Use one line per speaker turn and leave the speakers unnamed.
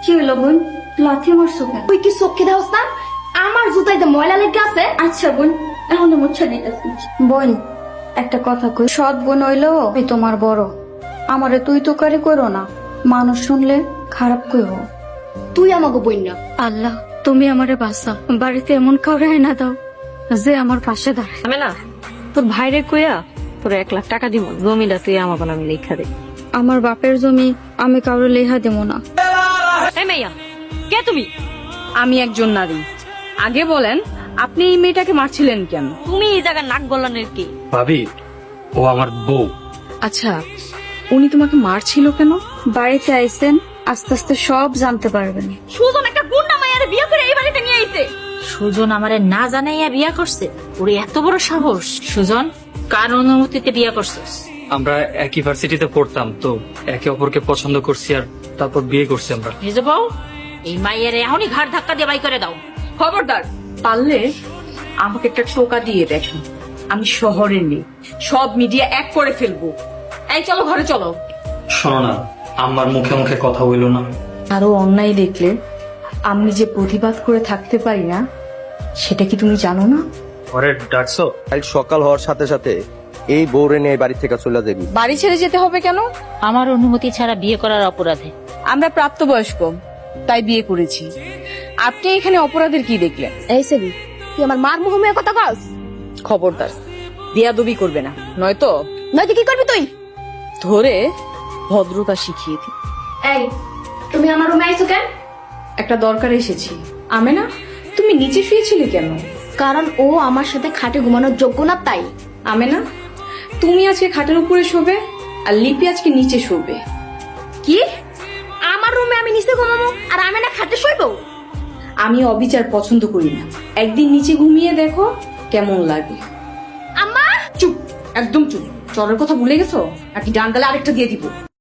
কি হলো বোন, লাথি মারছো কেন?
তুই কি চোখে দেওস না? আমার জুতাইতে ময়লা লেগে আছে।
আচ্ছা বোন, এখন মুছা দিতেছি। বোন একটা কথা কই, সৎ বোন হইলো আমি তোমার বড়, আমারে তুই তো কারি করো না, মানুষ শুনলে খারাপ কইব।
তুই আমাকে বই না।
আল্লাহ তুমি আমারে বাঁচা, বাড়িতে এমন কাউরে না দাও যে আমার পাশে দাঁড়ায়।
আমি না তোর ভাইরে কইয়া তোর 1 লাখ টাকা দিব, জমিটা তুই আমাকে আমি লেখা দে।
আমার বাপের জমি আমি কাউরে লেহা দেবো না।
এই মাইয়া, কে তুমি?
আমি একজন নারী। আগে বলেন, আপনি এই মেয়েটাকে মারছিলেন কেন?
তুমি এই জায়গায় নাক গলানের কি?
ভাবি, ও আমার বউ।
আচ্ছা, উনি তোমাকে মারছিল কেন?
বাড়িতে আইছেন, আস্তে আস্তে সব জানতে পারবেন।
সুজন একটা গুন্ডা মাইয়ারে বিয়ে করে এই বাড়িতে নিয়ে আইছে। সুজন আমারে না জানাইয়া বিয়া করছে? ওরে এত বড় সাহস! সুজন, কার অনুমতিতে বিয়া করছিস?
আমরা একই ভার্সিটিতে পড়তাম, তো একে অপরকে পছন্দ করছি আর তারপর বিয়ে করছি আমরা।
ভেজে বউ, এই মাইয়ারে এখনই ঘাড় ধাক্কা দিয়ে বাই করে দাও।
খবরদার, পারলে আমাকে একটা টোকা দিয়ে দেখেন। আমি শহরে নেই, সব মিডিয়া এক করে ফেলবো। এই চলো, ঘরে চলো।
শোনো না, আমার মুখে মুখে কথা হইলো না।
আরো অন্যায় দেখলে আমি যে প্রতিবাদ করে থাকতে পারি না, সেটা কি তুমি জানো না?
ঘরে ডাকছো?
কাল সকাল হওয়ার সাথে সাথে এই বউরে নিয়ে বাড়ি থেকে চলে যাবি।
বাড়ি ছেড়ে যেতে হবে কেন?
আমার অনুমতি ছাড়া বিয়ে করার অপরাধে।
আমরা প্রাপ্তবয়স্ক, তাই বিয়ে করেছি। আপনি এখানে অপরাধের কি দেখলেন?
এই সেবি, তুই আমার মার মুখে কথা কস?
খবরদার, বেয়াদবি করবে না, নয়তো
নয়তো কি করবি তুই?
ধরে ভদ্রতা শিখিয়ে দিই।
এই, তুমি আমার রুমে আইছো কেন?
একটা দরকারে এসেছি। আমেনা, তুমি নিচে শুয়েছিলে কেন?
কারণ ও আমার সাথে খাটে ঘুমানোর যোগ্য না, তাই।
আমেনা, তুমি আজকে খাটের উপরে শোবে আর লিপি আজকে নিচে শোবে।
কি? আমার রুমে আমি নিচে ঘুমাবো আর আমি না খাটে শুইবো?
আমি অবিচার পছন্দ করি না। একদিন নিচে ঘুমিয়ে দেখো কেমন লাগে।
আম্মা,
চুপ, একদম চুপ। চরের কথা ভুলে গেছো নাকি? ডান গালে আরেকটা দিয়ে দিব।